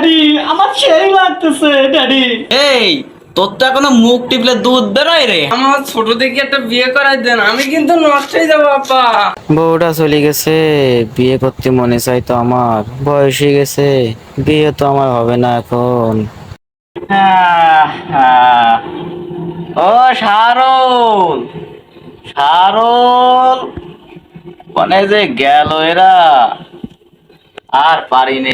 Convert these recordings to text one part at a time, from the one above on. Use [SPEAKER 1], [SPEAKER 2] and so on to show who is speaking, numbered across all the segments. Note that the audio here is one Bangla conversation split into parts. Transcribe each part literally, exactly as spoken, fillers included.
[SPEAKER 1] ড্যাডি আমার সেই লাগতেছে ড্যাডি।
[SPEAKER 2] এই তোর তো এখনো মুখ টিপলে দুধ বেরোয় রে।
[SPEAKER 3] আমার ছোট থেকে একটা বিয়ে করাই দেন, আমি কিন্তু নষ্ট হয়ে যাবো আব্বা।
[SPEAKER 4] বউটা চলে গেছে, বিয়ে করতে মনে চাই তো আমার, বয়স হয়ে গেছে, বিয়ে তো আমার হবে না এখন।
[SPEAKER 2] আহ, আহ। ও শারল, শারল মানে যে গেল এরা, আর পারিনি।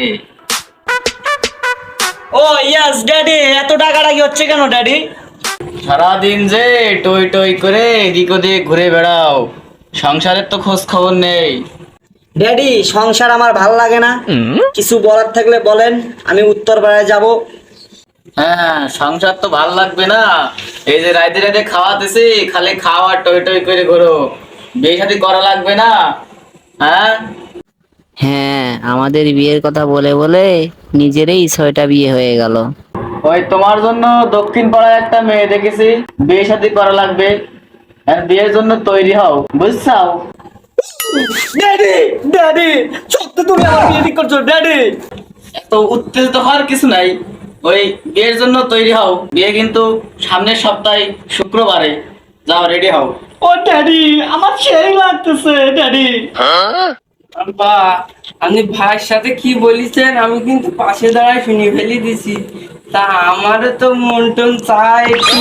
[SPEAKER 2] ও ইয়াস ড্যাডি, এত টাকাটাকি হচ্ছে কেন ড্যাডি? সারাদিন যে টই টই করে এদিক ওদিক ঘুরে বেড়াও, সংসারের তো খোঁজ খবর নেই।
[SPEAKER 5] ড্যাডি সংসার আমার ভাল লাগে না, কিছু বলার থাকলে বলেন, আমি উত্তরপাড়ায় যাব।
[SPEAKER 2] হ্যাঁ সংসার তো ভাল লাগবে না, এই যে রাইতে রাইতে খাওয়াতেছি, খালি খাওয়া টই টই করে ঘোরো, বিয়ে শাদী করা লাগবে না? হ্যাঁ
[SPEAKER 6] হ্যাঁ, আমাদের বিয়ের কথা বলে বলে নিজেরই ছয়টা বিয়ে হয়ে গেল।
[SPEAKER 2] ওই তোমার জন্য দক্ষিণ পাড়ায় একটা মেয়ে দেখেছি, বিয়ে শাদী করা লাগবে, আর বিয়ের জন্য তৈরি হও, বুঝছাও?
[SPEAKER 1] ড্যাডি ড্যাডি সত্যি তুমি আমার বিয়ে ঠিক করছো ড্যাডি?
[SPEAKER 2] এত উত্তেজিত হওয়ার কিছু নাই, ওই বিয়ের জন্য তৈরি হও, বিয়ে কিন্তু সামনের সপ্তাহে শুক্রবারে, যাও রেডি হও।
[SPEAKER 1] ও ড্যাডি আমার সেই লাগতেছে ড্যাডি।
[SPEAKER 3] আব্বা, আপনি ভাইয়ের সাথে কি বলিছেন আমি কিন্তু পাশে দাঁড়ায় শুনে ফেলি দিছি। তা আমারও তো মন টন চায় একটু।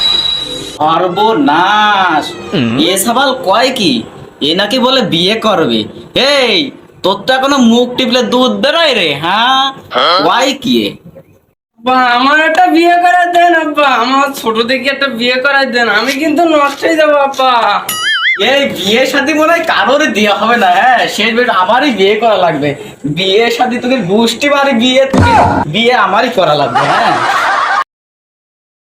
[SPEAKER 2] সর্বনাশ, এ সাবাল কয় কি, এ নাকি বলে বিয়ে করবে। এই তোর তো এখনো মুখ টিপলে দুধ বেরোয় রে। হ্যাঁ কয় কি এ?
[SPEAKER 3] আব্বা আমার একটা বিয়ে করাই দেন আব্বা, আমার ছোট থেকে একটা বিয়ে করাই দেন, আমি কিন্তু নষ্ট হয়ে যাবো আব্বা।
[SPEAKER 2] এই বিয়ে শাদী মনে হয় কারোর দেওয়া হবে না। হ্যাঁ শেষ বের আমারই বিয়ে করা লাগবে, বিয়ে শাদী তোকে গোষ্ঠী বাড়ি বিয়ে, তোকে বিয়ে আমারই করা লাগবে। হ্যাঁ